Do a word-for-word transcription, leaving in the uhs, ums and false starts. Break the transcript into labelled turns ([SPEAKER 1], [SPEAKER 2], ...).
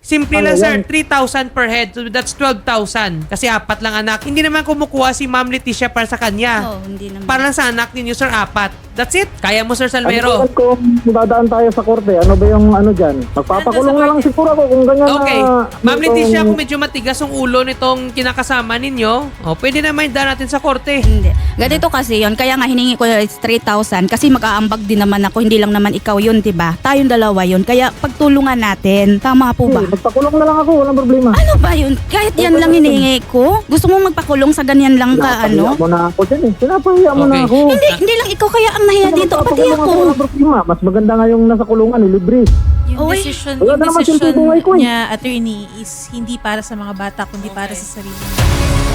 [SPEAKER 1] Simple
[SPEAKER 2] Ano
[SPEAKER 1] lang, sir.
[SPEAKER 2] yan?
[SPEAKER 1] three thousand per head. So that's twelve thousand. Kasi apat lang anak. Hindi naman kumukuha si Ma'am Leticia para sa kanya.
[SPEAKER 3] Oo, hindi naman.
[SPEAKER 1] Para lang sa anak ninyo, sir, apat. That's it. Kaya mo, sir
[SPEAKER 2] Ano
[SPEAKER 1] Salmero.
[SPEAKER 2] kung dadaan tayo sa korte, ano ba yung ano dyan? Magpapakulong na lang siguro ako kung ganyan
[SPEAKER 1] Okay.
[SPEAKER 2] na...
[SPEAKER 1] Ma'am Leticia,
[SPEAKER 2] itong-
[SPEAKER 1] kung medyo matigas ang ulo nitong kinakasama ninyo, oh, pwede naman daan natin sa korte.
[SPEAKER 3] Hindi. Ganito kasi yon, kaya nga hiningi ko is three thousand kasi mag-aambag din naman ako, hindi lang naman ikaw yun, 'di ba? Tayong dalawa yun. Kaya pagtulungan natin. Tama po ba?
[SPEAKER 2] Eh, magpakulong na lang ako, walang problema.
[SPEAKER 3] Ano ba yun? Kahit yan lang hinihingi ko? Gusto mo magpakulong sa ganyan lang ka
[SPEAKER 2] Sinapahiya
[SPEAKER 3] ano?
[SPEAKER 2] mo na ako dyan eh. Sinapahiya mo na
[SPEAKER 1] Okay.
[SPEAKER 2] ako.
[SPEAKER 3] Hindi, hindi lang ikaw kaya ang nahiya
[SPEAKER 2] Kung
[SPEAKER 3] dito, pati
[SPEAKER 2] magpapakulong
[SPEAKER 3] ako.
[SPEAKER 2] walang problema. Mas maganda nga yung nasa kulungan, eh, libre.
[SPEAKER 4] Yung
[SPEAKER 3] Oy,
[SPEAKER 4] decision,
[SPEAKER 2] wala
[SPEAKER 4] yung
[SPEAKER 2] na naman
[SPEAKER 4] decision
[SPEAKER 2] simple buhay ko eh.
[SPEAKER 4] niya, attorney, is hindi para sa mga bata, kundi para sa sarili niya.